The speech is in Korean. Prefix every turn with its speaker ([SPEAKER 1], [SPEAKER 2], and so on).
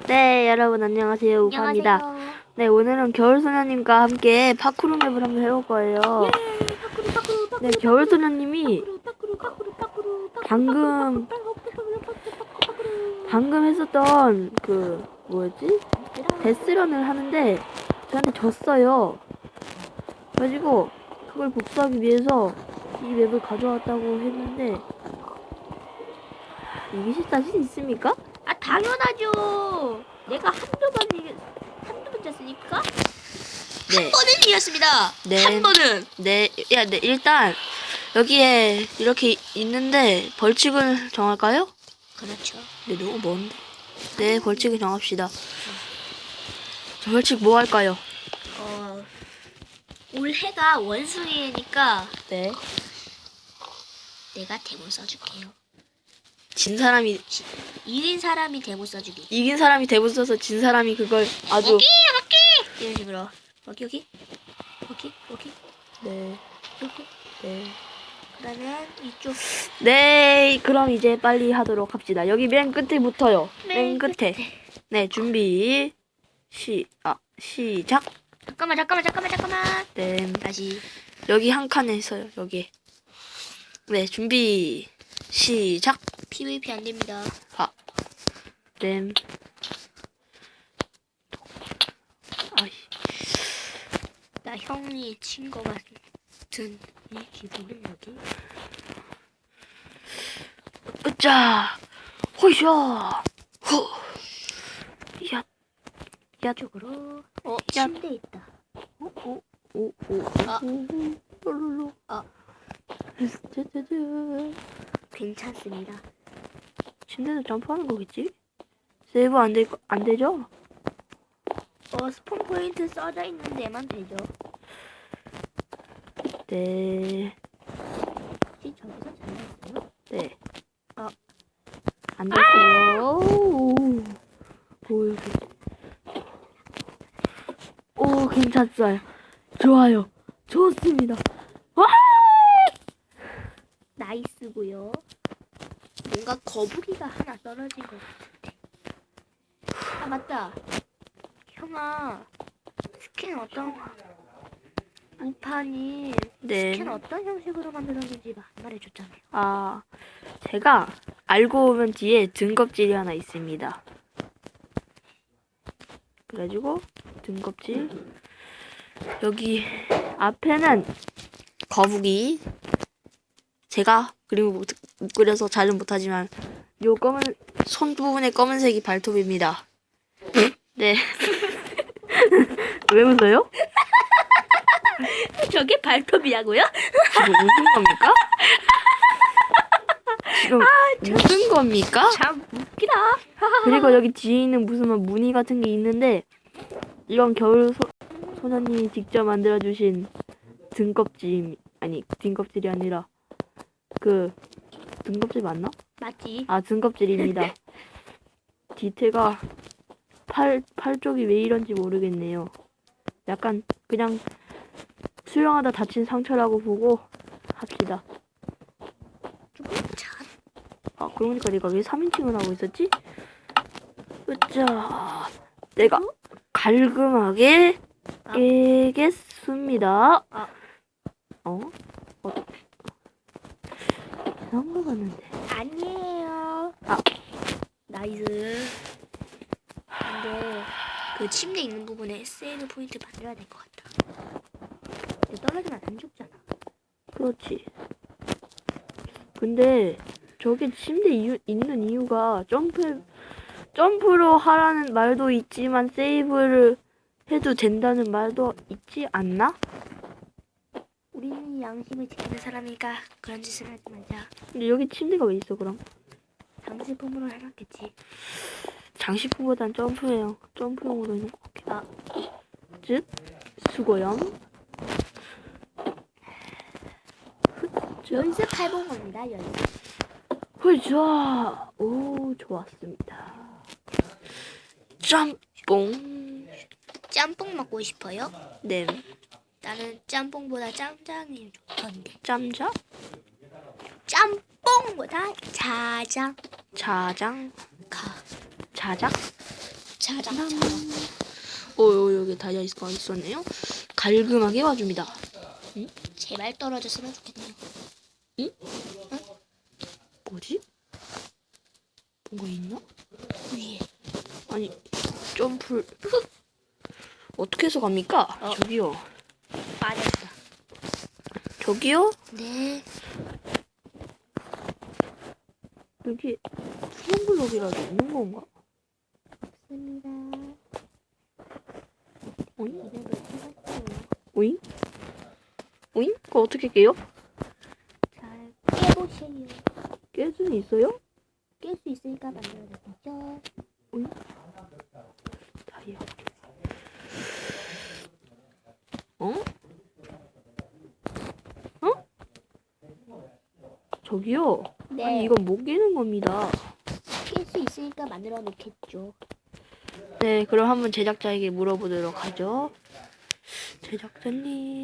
[SPEAKER 1] 네, 여러분 안녕하세요. 우파입니다.
[SPEAKER 2] 안녕하세요.
[SPEAKER 1] 네, 오늘은 겨울소녀님과 함께 파쿠르 맵을 한번 해볼 거예요. 네, 겨울소녀님이 방금 했었던 그 뭐였지? 데스런을 하는데 저한테 졌어요. 그래가지고 그걸 복수하기 위해서 이 맵을 가져왔다고 했는데 이기실 자신 있습니까?
[SPEAKER 2] 아 당연하죠. 내가 한두 번 졌으니까
[SPEAKER 1] 네.
[SPEAKER 2] 한 번은 이겼습니다.
[SPEAKER 1] 네.
[SPEAKER 2] 한 번은.
[SPEAKER 1] 네, 일단 여기에 이렇게 있는데 벌칙을 정할까요?
[SPEAKER 2] 그렇죠.
[SPEAKER 1] 네, 너무 먼데. 네, 벌칙을 정합시다. 저 벌칙 뭐 할까요?
[SPEAKER 2] 올해가 원숭이니까
[SPEAKER 1] 네.
[SPEAKER 2] 내가 대본 써줄게요.
[SPEAKER 1] 진 사람이
[SPEAKER 2] 1인 사람이 대본 써주기.
[SPEAKER 1] 이긴 사람이 대본 써서 진 사람이 그걸 아주
[SPEAKER 2] 오기 이런 식으로. 오기.
[SPEAKER 1] 네.
[SPEAKER 2] 여기.
[SPEAKER 1] 네.
[SPEAKER 2] 그러면 이쪽
[SPEAKER 1] 네, 그럼 이제 빨리 하도록 합시다. 여기 맨 끝에 붙어요. 맨
[SPEAKER 2] 맨
[SPEAKER 1] 끝에. 네, 준비. 시작.
[SPEAKER 2] 잠깐만.
[SPEAKER 1] 네.
[SPEAKER 2] 다시.
[SPEAKER 1] 여기 한 칸에 있어요. 여기. 네, 준비. 시작.
[SPEAKER 2] PVP 안 됩니다.
[SPEAKER 1] 램. 아이.
[SPEAKER 2] 나 형이 친 거 같은 이 기분은 여기.
[SPEAKER 1] 으짜. 호이샤. 후. 야.
[SPEAKER 2] 이쪽으로.
[SPEAKER 1] 야.
[SPEAKER 2] 침대 있다.
[SPEAKER 1] 오.
[SPEAKER 2] 아.
[SPEAKER 1] 롤롤로.
[SPEAKER 2] 아.
[SPEAKER 1] 짜자자.
[SPEAKER 2] 괜찮습니다.
[SPEAKER 1] 침대도 점프하는 거겠지? 세이브 안 되죠?
[SPEAKER 2] 스폰 포인트 써져 있는 데만 되죠.
[SPEAKER 1] 네.
[SPEAKER 2] 혹시 저기서 잘렸어요?
[SPEAKER 1] 네. 안 됐어요. 오, 여기. 오, 괜찮아요. 좋아요. 좋습니다. 와!
[SPEAKER 2] 나이스고요. 뭔가 거북이가 하나 떨어진 것 같은데. 아 맞다. 형아 스킨 어떤 우판이
[SPEAKER 1] 네.
[SPEAKER 2] 스킨 어떤 형식으로 만들었는지 말해줬잖아요.
[SPEAKER 1] 아, 제가 알고 보면 뒤에 등껍질이 하나 있습니다. 그래가지고 등껍질 여기 앞에는 거북이 제가 그림을 못 그려서 잘은 못하지만 요 검은 손 부분의 검은색이 발톱입니다. 네. 왜 웃어요?
[SPEAKER 2] 저게 발톱이라고요?
[SPEAKER 1] 지금 무슨 겁니까? 지금 무슨 겁니까?
[SPEAKER 2] 참 웃기다.
[SPEAKER 1] 그리고 여기 뒤에 있는 무슨 무늬 같은 게 있는데 이건 겨울 소녀님이 직접 만들어주신 등껍질 아니 등껍질이 아니라 그 등껍질 맞나?
[SPEAKER 2] 맞지?
[SPEAKER 1] 아 등껍질입니다. 디테가 팔 쪽이 왜 이런지 모르겠네요. 약간 그냥 수영하다 다친 상처라고 보고 합시다.
[SPEAKER 2] 참.
[SPEAKER 1] 아 그러니까 내가 왜 3인칭을 하고 있었지? 으짜 내가 갈금하게 깨겠습니다. 이상한 거 같는데.
[SPEAKER 2] 아니에요. 나이스. 근데 그 침대 있는 부분에 세이브 포인트 만들어야 될 것 같다. 근데 떨어지면 안 죽잖아.
[SPEAKER 1] 그렇지. 근데 저게 침대 있는 이유가 점프로 하라는 말도 있지만 세이브를 해도 된다는 말도 있지 않나?
[SPEAKER 2] 우리는 양심을 지키는 사람이니까 그런 짓을 하지 말자.
[SPEAKER 1] 근데 여기 침대가 왜 있어 그럼?
[SPEAKER 2] 장식품으로 해놨겠지.
[SPEAKER 1] 장식구보단 점프용으로 있는 것 같긴 하. 즉 수고염.
[SPEAKER 2] 연습해본 겁니다. 연습.
[SPEAKER 1] 훌자. 오 좋았습니다. 짬뽕.
[SPEAKER 2] 짬뽕 먹고 싶어요?
[SPEAKER 1] 네.
[SPEAKER 2] 나는 짬뽕보다 짬장이 좋던데.
[SPEAKER 1] 짬자?
[SPEAKER 2] 짬뽕보다 자장.
[SPEAKER 1] 자장.
[SPEAKER 2] 가.
[SPEAKER 1] 자작?
[SPEAKER 2] 자자.
[SPEAKER 1] 여기 다이아가 있었네요. 갈금하게 와줍니다.
[SPEAKER 2] 제발 떨어졌으면 좋겠네요.
[SPEAKER 1] 뭐지? 뭔가 있나?
[SPEAKER 2] 위에.
[SPEAKER 1] 아니, 점프를 어떻게 해서 갑니까? 저기요.
[SPEAKER 2] 빠졌어.
[SPEAKER 1] 저기요?
[SPEAKER 2] 네.
[SPEAKER 1] 여기 수영블록이라도 있는 건가?
[SPEAKER 2] 없습니다.
[SPEAKER 1] 오잉?
[SPEAKER 2] 이름을 찾았어요.
[SPEAKER 1] 오잉? 오잉? 그거 어떻게 깨요?
[SPEAKER 2] 잘 깨보세요.
[SPEAKER 1] 깰 수는 있어요?
[SPEAKER 2] 깰 수 있으니까 만들어야겠죠.
[SPEAKER 1] 오잉? 다이아. 어? 어? 저기요?
[SPEAKER 2] 네.
[SPEAKER 1] 아니, 이건 못 깨는 겁니다.
[SPEAKER 2] 깰 수 있으니까 만들어 놓겠죠.
[SPEAKER 1] 네, 그럼 한번 제작자에게 물어보도록 하죠. 제작자님.